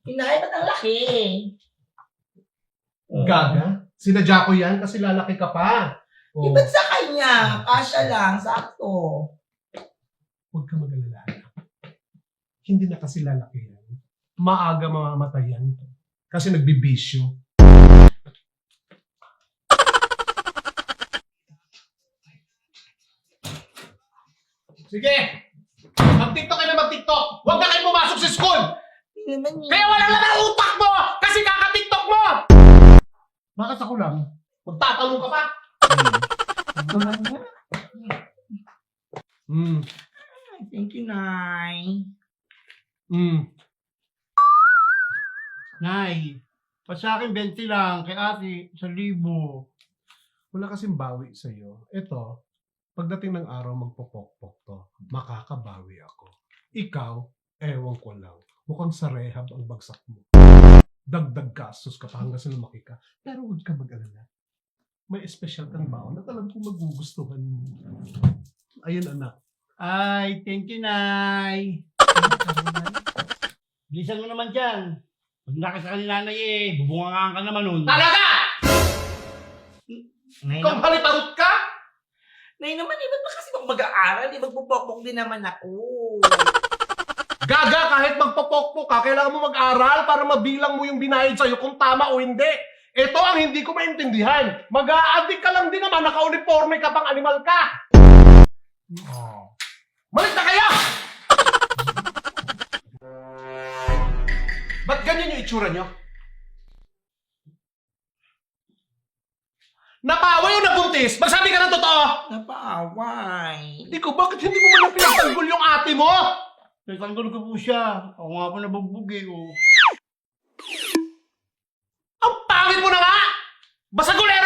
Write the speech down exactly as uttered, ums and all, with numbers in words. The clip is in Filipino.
Inay, ba't ang laki? Gaga? Sinadya ko yan kasi lalaki ka pa. Di ba't sa kanya? Kasya lang, sakto. Huwag ka mag-alala. Hindi na kasi lalaki yan. Maaga mamamatay yan. Kasi nagbibisyo. Sige! Mag-tiktok kayo na mag-tiktok! Huwag na kayo pumasok sa school! Hindi naman yun. Kaya wala naman ang utak mo! Kasi kaka-tiktok mo! Bakit ako lang? Magtatanong ka pa? Hmm. Thank you, Nay. Hmm. Nay, pa sa akin twenty lang, kay ate, sa libo. Wala kasing bawi sa'yo. Ito, pagdating ng araw magpopokpok to, makakabawi ako. Ikaw, ewan ko lang. Mukhang sa rehab ang bagsak mo. Dagdag gastos ka pa hanggang sa lumaki ka. Pero huwag ka mag-alala. May espesyal kang baon at alam kong magugustuhan mo. Ayun, anak. Ay, thank you, Nay. Bilisan mo naman dyan. Pag nakita ka ni nanay eh, bubungangaan ka naman nun. Talaga! Nay, Kung naman, halitarot ka? Nay naman, eh, ba't ba kasi mag mag-aaral? Eh, magpupokpok din naman ako. Gaga, kahit magpopokpok ka, kailangan mo mag-aral para mabilang mo yung binayad sa'yo kung tama o hindi. Ito ang hindi ko maintindihan. Mag-a-addict ka lang din naman, naka-uniforme ka pang animal ka. Oh. Malit na kayo! Ba't ganyan yung itsura nyo? Napaway o nabuntis? Magsabi ka ng totoo! Napaaway. Ikaw, bakit hindi mo man lang pinagtanggol yung ate mo? Nagtanggol ko po siya. Ako nga po nabugbog eh. Oh. Ang pangit mo na nga! Basagulero